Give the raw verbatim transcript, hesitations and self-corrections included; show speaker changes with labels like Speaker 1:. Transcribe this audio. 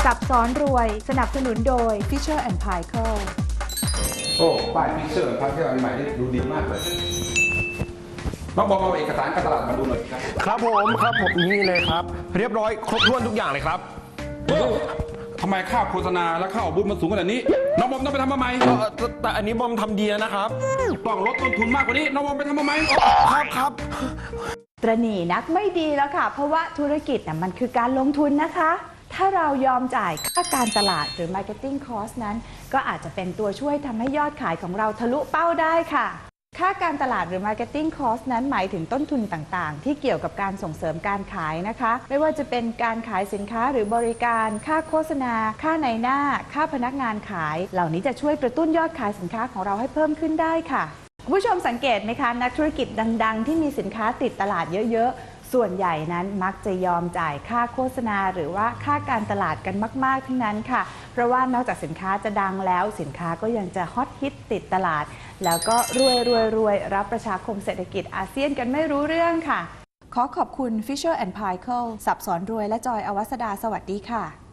Speaker 1: สับซ้อนรวยสนับสนุนโดย Fisher แอนด์ Paykel
Speaker 2: โอ้ป้ายฟิชเชอร์พาร์ทเทอร์อันใหม่นี่ดูดีมากเลยน้องบอมเอาเอกสารการตลาดมาดูหน่อยครับ
Speaker 3: ครับผมครับผมนี่เลยครับ เรียบร้อยครบถ้วนทุกอย่างเลยครับ
Speaker 2: เออทำไมค่าโฆษณาและค่าออกบูธมันสูงขนาดนี้น้องบอมต้องไปทำมาใหม่
Speaker 3: เอ่อแต่แต่อันนี้บอมทำดีแล้วนะครับ
Speaker 2: ต้องลดต้นทุนมากกว่านี้น้องบอมไปทำมาใหม่
Speaker 3: ครับครับ
Speaker 1: ตระหนี่นักไม่ดีแล้วค่ะ เพราะว่าธุรกิจน่ะมันคือการลงทุนนะคะ ถ้าเรายอมจ่ายค่าการตลาดหรือ Marketing Cost นั้น ก็อาจจะเป็นตัวช่วยทำให้ยอดขายของเราทะลุเป้าได้ค่ะ ค่าการตลาดหรือ Marketing Cost นั้นหมายถึงต้นทุนต่างๆ ที่เกี่ยวกับการส่งเสริมการขายนะคะ ไม่ว่าจะเป็นการขายสินค้าหรือบริการ ค่าโฆษณา ค่าในหน้า ค่าพนักงานขาย เหล่านี้จะช่วยกระตุ้นยอดขายสินค้าของเราให้เพิ่มขึ้นได้ค่ะคุณผู้ชมสังเกตไหมคะนักธุรกิจดังๆ ที่มีสินค้าติดตลาดเยอะๆส่วนใหญ่นั้นมักจะยอมจ่ายค่าโฆษณาหรือว่าค่าการตลาดกันมากๆทั้งนั้นค่ะเพราะว่านอกจากสินค้าจะดังแล้วสินค้าก็ยังจะฮอตฮิตติดตลาดแล้วก็รวยรวยรวยรับประชาคมเศรษฐกิจอาเซียนกันไม่รู้เรื่องค่ะขอขอบคุณ Fisher แอนด์ Paykel สับสอนรวยและจอยอวัสดาสวัสดีค่ะ